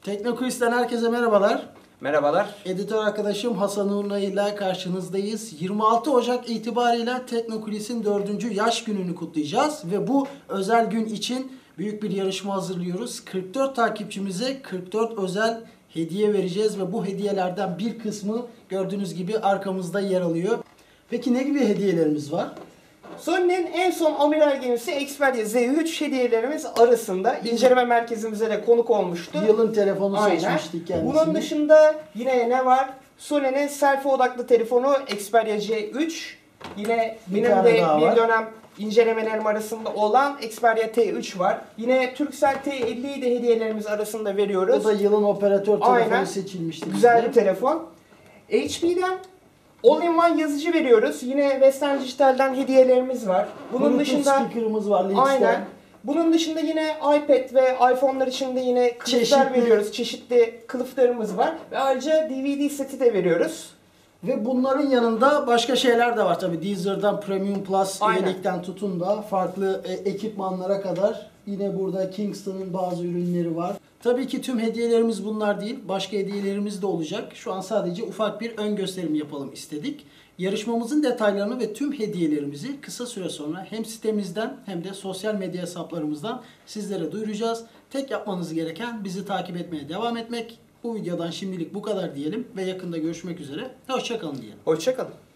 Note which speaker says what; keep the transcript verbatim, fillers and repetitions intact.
Speaker 1: Teknokulis'ten herkese merhabalar.
Speaker 2: Merhabalar.
Speaker 1: Editör arkadaşım Hasan Uğurlu ile karşınızdayız. yirmi altı Ocak itibariyle Teknokulis'in dördüncü yaş gününü kutlayacağız. Ve bu özel gün için büyük bir yarışma hazırlıyoruz. kırk dört takipçimize kırk dört özel hediye vereceğiz. Ve bu hediyelerden bir kısmı gördüğünüz gibi arkamızda yer alıyor. Peki ne gibi hediyelerimiz var?
Speaker 2: Sony'nin en son amiral gemisi Xperia Z üç hediyelerimiz arasında inceleme merkezimize de konuk olmuştu.
Speaker 1: Yılın telefonu
Speaker 2: Aynen.
Speaker 1: seçmiştik kendisini.
Speaker 2: Bunun dışında yine ne var? Sony'nin selfie odaklı telefonu Xperia C üç. Yine
Speaker 1: Bir
Speaker 2: benim
Speaker 1: tane
Speaker 2: de
Speaker 1: daha
Speaker 2: bir
Speaker 1: var.
Speaker 2: dönem incelemelerim arasında olan Xperia T üç var. Yine Turkcell T elliyi de hediyelerimiz arasında veriyoruz.
Speaker 1: Bu da yılın operatör telefonu
Speaker 2: Aynen.
Speaker 1: seçilmişti.
Speaker 2: Güzel
Speaker 1: bizde.
Speaker 2: bir telefon. H P'den All-in-One yazıcı veriyoruz. Yine Western Digital'den hediyelerimiz var. Bunun
Speaker 1: Bluetooth
Speaker 2: dışında
Speaker 1: speaker'ımız var. Lynx'ten.
Speaker 2: aynen. Bunun dışında yine iPad ve iPhone'lar için de yine kılıflar
Speaker 1: Çeşitli.
Speaker 2: veriyoruz. Çeşitli kılıflarımız var. Ve ayrıca D V D seti de veriyoruz.
Speaker 1: Ve bunların yanında başka şeyler de var tabii. Deezer'dan Premium Plus
Speaker 2: Aynen.
Speaker 1: üyelikten tutun da farklı e, ekipmanlara kadar yine burada Kingston'ın bazı ürünleri var. Tabii ki tüm hediyelerimiz bunlar değil. Başka hediyelerimiz de olacak. Şu an sadece ufak bir ön gösterim yapalım istedik. Yarışmamızın detaylarını ve tüm hediyelerimizi kısa süre sonra hem sitemizden hem de sosyal medya hesaplarımızdan sizlere duyuracağız. Tek yapmanız gereken bizi takip etmeye devam etmek. Bu videodan şimdilik bu kadar diyelim ve yakında görüşmek üzere. Hoşça kalın diyelim.
Speaker 2: Hoşça kalın.